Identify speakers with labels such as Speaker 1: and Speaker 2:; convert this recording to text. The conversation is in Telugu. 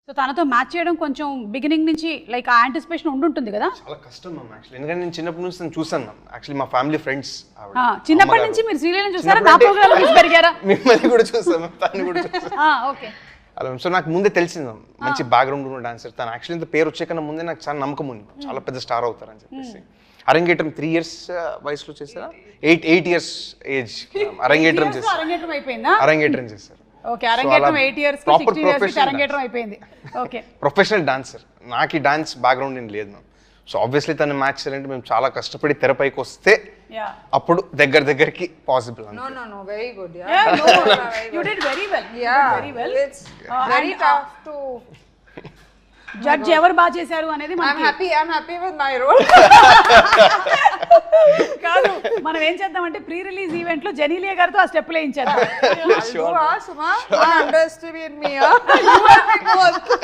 Speaker 1: సో తనతో మ్యాచ్ చేయడం కొంచెం బిగినింగ్ నుంచి లైక్ ఆ యాంటిసిపేషన్ ఉండుంటుంది కదా?
Speaker 2: చాలా కష్టం మ్యామ్ యాక్చువల్లీ, ఎందుకంటే నేను చిన్నప్పటి నుంచి తను చూసాను మ్యామ్. యాక్చువల్లీ మా ఫ్యామిలీ ఫ్రెండ్స్
Speaker 1: చిన్నప్పటి నుంచి మీరు సీరియల్ చూసారా? నా ప్రోగ్రామ్ చూసి పెరిగారా?
Speaker 2: మిమ్మల్ని కూడా చూసాను, తను కూడా చూసాను.
Speaker 1: ఓకే.
Speaker 2: అలా సో నాకు ముందే తెలిసింది మ్యామ్, మంచి బ్యాక్గ్రౌండ్ ఉన్న డాన్సర్ తను. యాక్చువల్లీ ఇంత పేరు వచ్చే కన్నా ముందే నాకు చాలా నమ్మకం ఉంది, చాలా పెద్ద స్టార్ అవుతారని చెప్పేసి. అరంగేట్రం 3 years వయసులో చేశారా? 8 years ఏజ్ అరంగేట్రం చేశారు.
Speaker 1: అరంగేట్రం అయిపోయిందా?
Speaker 2: అరంగేట్రం చేశారు.
Speaker 1: ఓకే, అరంగేట్రం 8 years కి 16 years కి అరంగేట్రం అయిపోయింది. Okay,
Speaker 2: professional dancer. నాకు ఈ డాన్స్ బ్యాక్గ్రౌండ్ ఏం లేదు మ్యామ్. సో ఆబ్వియస్లీ తను మ్యాచ్ చేయాలంటే మేము చాలా కష్టపడి తెరపైకి వస్తే అప్పుడు దగ్గరికి possible.
Speaker 3: No, very good.
Speaker 1: You did very well.
Speaker 3: Very well. It's very tough to
Speaker 1: judge ఎవరు బాగా చేశారు అనేది
Speaker 3: I'm happy with my role.
Speaker 1: కాదు, మనం ఏం చేద్దామంటే ప్రీ రిలీజ్ ఈవెంట్ లో జెనీలియా గారితో ఆ స్టెప్ వేయించేద్దాం.
Speaker 3: Suma, don't underestimate me. You are big one.